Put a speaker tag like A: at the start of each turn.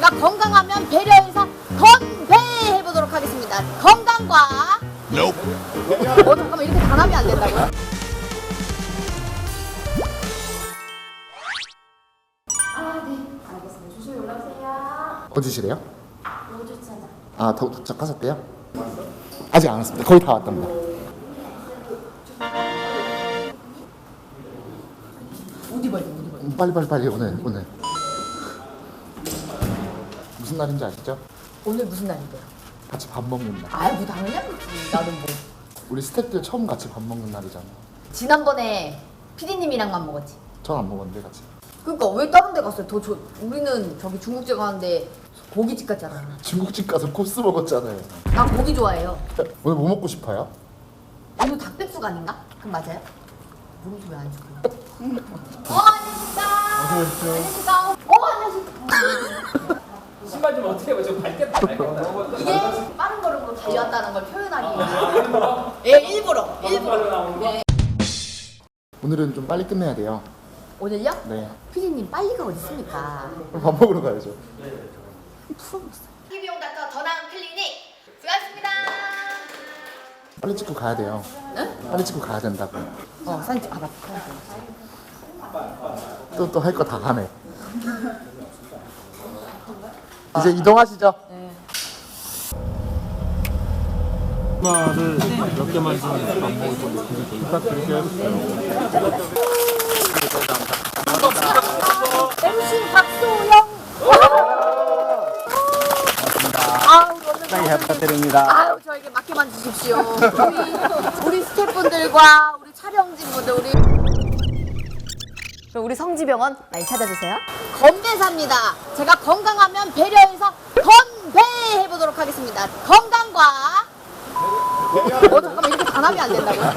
A: 제가 건강하면 배려해서 건배해보도록 하겠습니다. 건강과 잠깐만, 이렇게 단합이 안 된다고요? 네, 알겠습니다. 조심히 올라오세요.
B: 어디시래요?
A: 노주차장.
B: 아, 도착하셨대요? 아직 안 왔습니다. 거의 다 왔답니다.
A: 어디 봐야 돼?
B: 빨리 오늘 무슨 날인지 아시죠?
A: 오늘 무슨 날인데요?
B: 같이 밥 먹는 날.
A: 아이, 뭐 당연히 알겠지. 나는 뭐.
B: 우리 스태프들 처음 같이 밥 먹는 날이잖아.
A: 지난번에 피디님이랑만 먹었지.
B: 전 안 먹었는데 같이.
A: 그러니까 왜 다른 데 갔어요? 우리는 저기 중국집 가는데 고깃집 갔잖아.
B: 중국집 가서 코스 먹었잖아요.
A: 나 고기 좋아해요.
B: 오늘 뭐 먹고 싶어요?
A: 오늘 닭백숙 아닌가? 그럼 맞아요? 모르지 왜안 줄까? 안녕하십니까. 안녕하십니까. 안녕하십니까.
C: 신발 좀 어떻게 해봐. 좀 밝게 달아요.
A: 이게 빠른 걸음으로 달려왔다는 걸 표현하기 위해서. 예, 일부러. 네.
B: 오늘은 좀 빨리 끝내야 돼요.
A: 오늘요?
B: 네.
A: 피디님 빨리가 어디 있습니까?
B: 그럼 밥 먹으러 가야죠.
A: 비용 닥터 더 나은 클리닉 수고하셨습니다.
B: 빨리 찍고 가야 돼요.
A: 응?
B: 빨리 찍고 가야 된다고.
A: 사진 찍. 맞다.
B: 또 할 거 다 하네. 이제 이동하시죠.
D: 를 몇 개만 좀 안 먹을 좀 부탁드릴게요.
A: MC 박소영. 아우,
D: 잘 부탁드립니다.
A: 아유, 저에게 맡겨만 주십시오. 우리 스태프분들과 우리 촬영진분들, 우리 성지병원 많이 찾아주세요. 건배사입니다. 제가 건강하면 배려해서 건배해보도록 하겠습니다. 건강과 잠깐만, 이렇게 단합이 안 된다고요?